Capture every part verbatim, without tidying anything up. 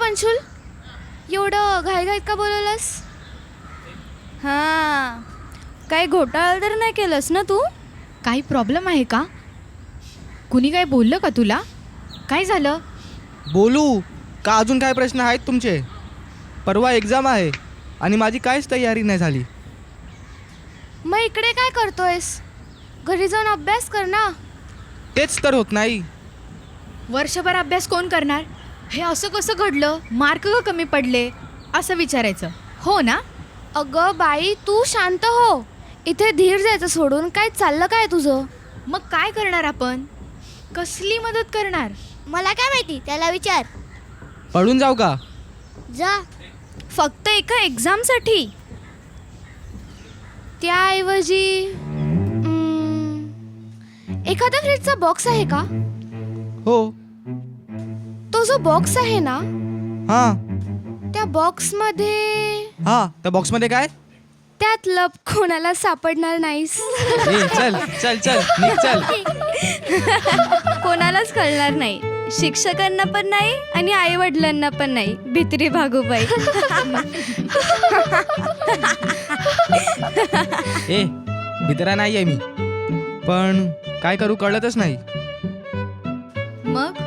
पंशुल, एवढं घाईघाईत का बोलवलंस? हां, काही घोटाळा तर नाही केलंस ना तू? काही प्रॉब्लेम आहे का? कुणी काय बोललं का तुला? काय झालं? बोलू का? अजून काय प्रश्न आहेत तुमचे? परवा एक्झाम आहे आणि माझी काहीच तयारी नाही झाली. मग इकडे काय करतोयस? घरी जाऊन अभ्यास कर ना. तेच तर होत नाही. वर्षभर अभ्यास कोण करणार? हे असं कसं घडलं? मार्क का कमी पडले? असं विचारायचं, हो ना? अगं बाई, तू शांत हो. इथे धीर द्यायचं सोडून काय चाललं काय तुझं? मग काय करणार आपण? कसली मदत करणार? मला काय माहिती, त्याला विचार. पळून जाऊ का? जा. फक्त एका एक्झामसाठी? त्याऐवजी हम्म, एखादा फ्रीजचा बॉक्स आहे का? हो. तो जो बॉक्स आहे ना, हां त्या बॉक्समध्ये हां त्या बॉक्समध्ये काय? त्यात लप कोणाला सापडणार नाहीस. ए, चल चल चल निघ चल. कोणालाच कळणार नाही, शिक्षकांना पण नाही आणि आई वडिलांना पण नाही. भित्री भागूबाई. ए भितरा नाही आहे मी, पण काय करू कळतच नाही. मग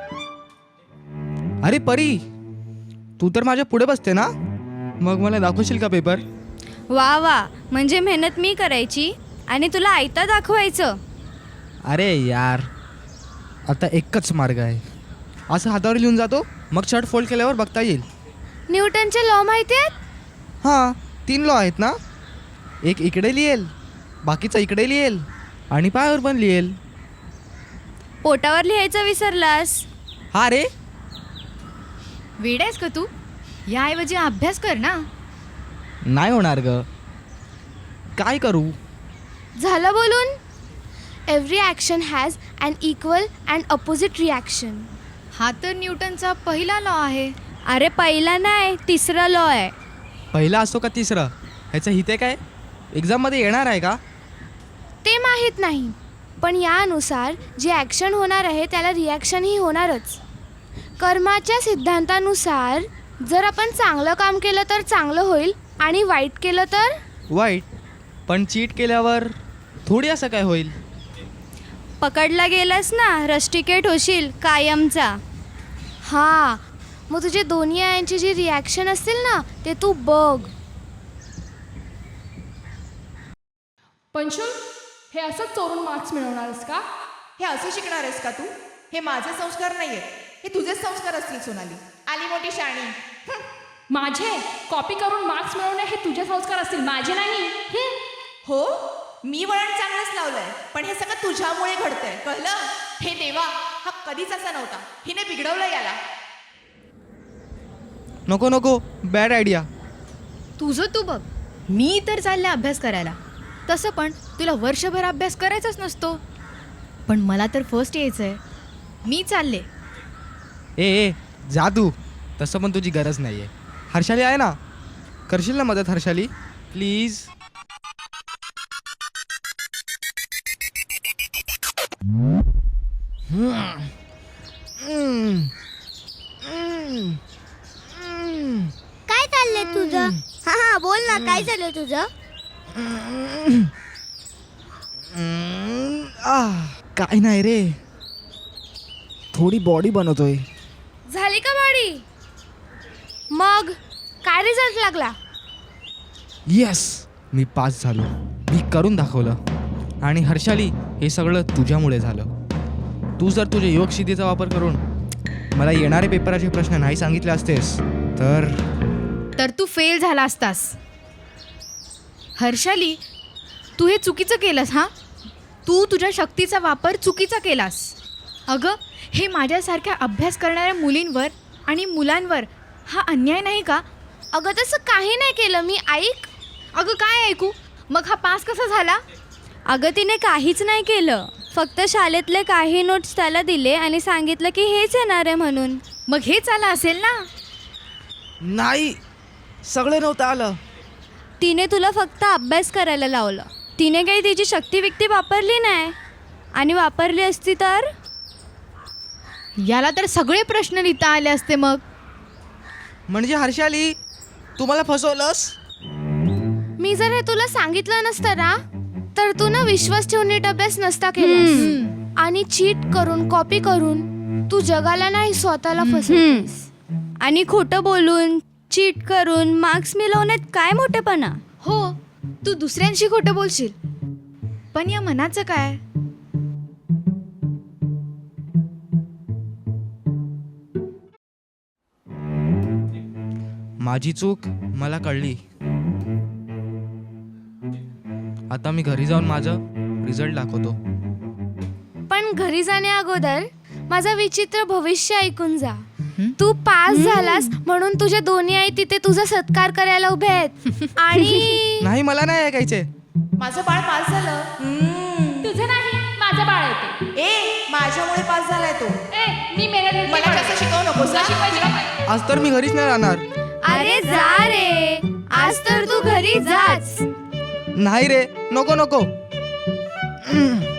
अरे परी, तू तर माझ्या पुढे बसते ना, मग मला दाखवशील का पेपर? वा वा, म्हणजे मेहनत मी करायची आणि तुला आयता दाखवायचं. अरे यार, आता एकच मार्ग आहे. असं हातावर लिहून जातो, मग शर्ट फोल्ड केल्यावर बघता येईल. न्यूटनचे लॉ माहिती आहेत? हां तीन लॉ आहेत ना. एक इकडे लिहेल, बाकीचा इकडे लिहेल आणि पायावर पण लिहेल. पोटावर लिहायचं विसरलास. हा रे. वेड आहेस का तू? याऐवजी अभ्यास कर ना. नाही होणार ग, काय करू? झालं बोलून. Every action has an equal and opposite reaction. हा तर न्यूटनचा पहिला लॉ आहे. अरे पहिला नाही, तिसरा लॉ आहे. पहिला असतो का तिसरा? ह्याचं हिते काय एक्झाममध्ये येणार आहे का? ते माहीत नाही, पण यानुसार जे ॲक्शन होणार आहे त्याला रिॲक्शनही होणारच. कर्माच्या सिद्धांतानुसार जर आपण चांगलं काम केलं तर चांगलं होईल आणि वाईट केलं तर वाईट. पण चीट केल्यावर थोडी असं काय होईल? पकडला गेलास ना, रस्टिकेट होशील कायमचा. हां, मग तुझे दोन्ही यांची जी रिॲक्शन असतील ना, ते तू बघ. पंशुल, हे असंच चोरून मार्क्स मिळवणारस का? हे असं शिकणार आहेस का तू? हे माझे संस्कार नाही आहेत, हे तुझेच संस्कार असतील सोनाली. आली मोठी शाणी. माझे कॉपी करून मार्क्स मिळवणे हे तुझे संस्कार असतील, माझे नाही. हं. हो, मी वळण चांगलंच लावलंय, पण हे सगळं तुझ्यामुळे घडतंय, कळलं? हे देवा, हा कधीच असा नव्हता. हिने बिघडवलं याला. नको नको, बॅड आयडिया. तुझं तू बघ. मी तर चालले अभ्यास करायला. तसं पण तुला वर्षभर अभ्यास करायचाच नसतो, पण मला तर फर्स्ट यायचं आहे. मी चालले. ए ए जा तू. तसं पण तुझी गरज नाही आहे. हर्षाली आहे ना, करशील ना मदत हर्षाली प्लीज? काय चाललंय तुझं? हा हा बोल ना, काय चाललंय तुझं? आह, काय नाही रे, थोडी बॉडी बनवतोय. झाली का बॉडी? मग काय रिझल्ट लागला? येस, मी पास झालो. मी करून दाखवलं. आणि हर्षाली, हे सगळं तुझ्यामुळे झालं. तू जर तुझ्या योगसिद्धीचा वापर करून मला येणारे पेपराचे प्रश्न नाही सांगितले असतेस तर तर तू फेल झाला असतास. हर्षाली, तू हे चुकीचं केलंस. हां, तू तुझ्या शक्तीचा वापर चुकीचा केलास. अगं, हे माझ्यासारख्या अभ्यास करणाऱ्या मुलींवर आणि मुलांवर हा अन्याय नाही का? अगं तसं काही नाही केलं मी. ऐक. अगं काय ऐकू? मग हा पास कसा झाला? अगं तिने काहीच नाही केलं, फक्त शाळेतले काही नोट्स त्याला दिले आणि सांगितलं की हेच येणार आहे म्हणून. मग हेच आलं असेल ना? नाही, सगळं नव्हतं आलं. तिने तुला फक्त अभ्यास करायला लावलं. तिने काही तिची शक्ती विक्ती वापरली नाही, आणि वापरली असती तर याला तर सगळे प्रश्न लिहिता आले असते. मग म्हणजे हर्षाली तू मला फसवलंस? मी जर हे तुला सांगितलं नसतं ना तर तू ना विश्वास ठेवून नीट अभ्यास नसता केलास आणि चीट करून कॉपी करून तू जगाला नाही स्वतःला फसवतेस. आणि खोटं बोलून चीट करून मार्क्स मिळवण्यात काय मोठेपणा. हो, तू दुसऱ्यांशी खोटं बोलशील, पण या मनाचं काय? माझी चूक मला कळली. आता मी घरी जाऊन माझं रिझल्ट दाखवतो. पण घरी जाण्या अगोदर माझं विचित्र भविष्य ऐकून जा. तू पास झालास म्हणून तुझे दोन्ही आई तिथे तुझा सत्कार करायला उभे आहेत. आणि नाही, मला नाही ऐकायचे. माझं बाळ पास झालं. हम्म. तुझं नाही माझं बाळ येते. ए माझ्यामुळे पास झालाय तो. ए मी मेहनत मला जास्त शिकवू नको. तुला शिकवायची का काय? आज तर मी घरीच नाही राहणार. अरे जा रे, आज तर तू घरी जाच. नाही रे, नको नको.